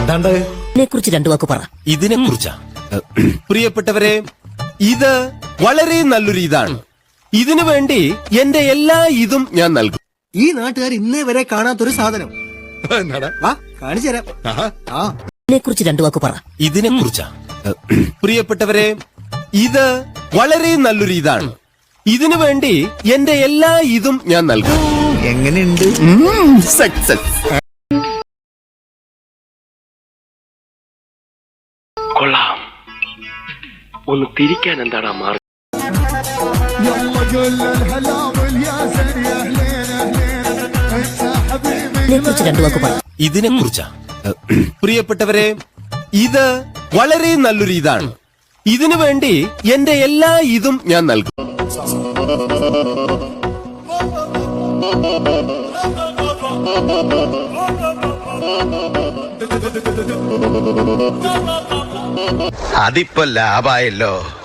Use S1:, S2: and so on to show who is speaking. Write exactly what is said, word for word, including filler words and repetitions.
S1: എന്താണ്ട്
S2: ഇതിനെ കുറിച്ച് രണ്ടു വാക്ക് പറ.
S3: ഇതിനെ കുറിച്ചാ പ്രിയപ്പെട്ടവരെ, ഇത് വളരെ നല്ലൊരു ഇതാണ്. ഇതിനു വേണ്ടി എന്റെ എല്ലാ ഇതും ഞാൻ നൽകും.
S4: ഈ നാട്ടുകാർ ഇന്നേ വരെ കാണാത്തൊരു സാധനം. വാ കാണിച്ചു തരാം. ആ
S2: ഇതിനെ കുറിച്ച് രണ്ടു വാക്ക് പറ.
S3: ഇതിനെ കുറിച്ചാ പ്രിയപ്പെട്ടവരെ, ഇത് വളരെ നല്ലൊരു ഇതാണ്. ഇതിനു വേണ്ടി എന്റെ എല്ലാ ഇതും ഞാൻ നൽകും.
S4: എങ്ങനെയുണ്ട്?
S3: സക്സസ്.
S5: കൊള്ളാം. ഒന്ന് തിരിക്കാൻ എന്താടാ മാർഗം?
S2: ഇതിനെ കുറിച്ച് രണ്ടു വാക്ക് പറ.
S3: ഇതിനെ കുറിച്ചാ പ്രിയപ്പെട്ടവരെ, ഇത് വളരെ നല്ലൊരു ഇതാണ്. ഇതിനു വേണ്ടി എന്റെ എല്ലാ ഇതും ഞാൻ നൽകും.
S6: അതിപ്പോ ലാഭായല്ലോ.